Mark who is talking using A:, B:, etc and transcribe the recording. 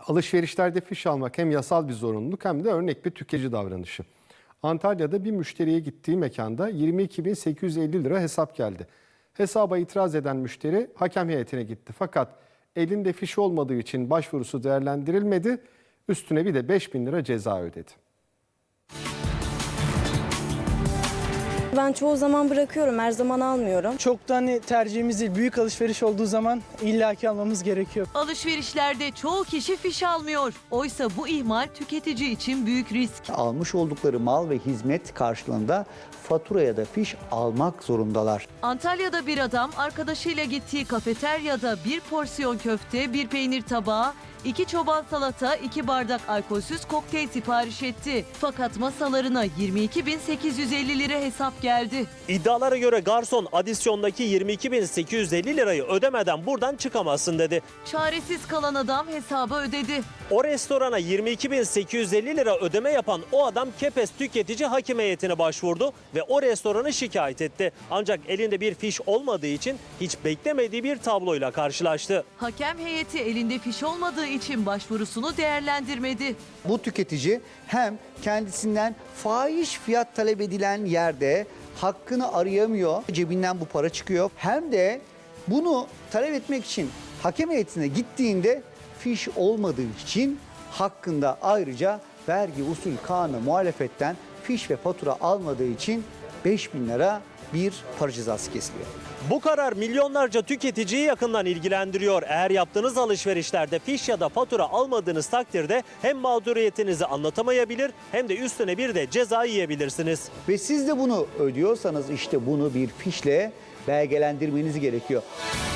A: Alışverişlerde fiş almak hem yasal bir zorunluluk hem de örnek bir tüketici davranışı. Antalya'da bir müşteriye gittiği mekanda 22.850 lira hesap geldi. Hesaba itiraz eden müşteri hakem heyetine gitti. Fakat elinde fiş olmadığı için başvurusu değerlendirilmedi. Üstüne bir de 5.000 lira ceza ödedi.
B: Ben çoğu zaman bırakıyorum, her zaman almıyorum.
C: Çok da tercihimiz değil. Büyük alışveriş olduğu zaman illaki almamız gerekiyor.
D: Alışverişlerde çoğu kişi fiş almıyor. Oysa bu ihmal tüketici için büyük risk.
E: Almış oldukları mal ve hizmet karşılığında fatura ya da fiş almak zorundalar.
D: Antalya'da bir adam arkadaşıyla gittiği kafeteryada bir porsiyon köfte, bir peynir tabağı, 2 çoban salata, 2 bardak alkolsüz kokteyl sipariş etti. Fakat masalarına 22.850 lira hesap geldi.
F: İddialara göre garson adisyondaki 22.850 lirayı ödemeden buradan çıkamazsın dedi.
D: Çaresiz kalan adam hesabı ödedi.
F: O restorana 22.850 lira ödeme yapan o adam Kepez Tüketici Hakim Heyeti'ne başvurdu ve o restoranı şikayet etti. Ancak elinde bir fiş olmadığı için hiç beklemediği bir tabloyla karşılaştı.
D: Hakem heyeti elinde fiş olmadığı için başvurusunu değerlendirmedi.
E: Bu tüketici hem kendisinden fahiş fiyat talep edilen yerde hakkını arayamıyor, cebinden bu para çıkıyor. Hem de bunu talep etmek için hakem heyetine gittiğinde fiş olmadığı için hakkında ayrıca vergi usul kanunu muhalefetten fiş ve fatura almadığı için 5.000 lira bir para cezası kesiliyor.
F: Bu karar milyonlarca tüketiciyi yakından ilgilendiriyor. Eğer yaptığınız alışverişlerde fiş ya da fatura almadığınız takdirde hem mağduriyetinizi anlatamayabilir hem de üstüne bir de ceza yiyebilirsiniz.
E: Ve siz de bunu ödüyorsanız işte bunu bir fişle belgelendirmeniz gerekiyor.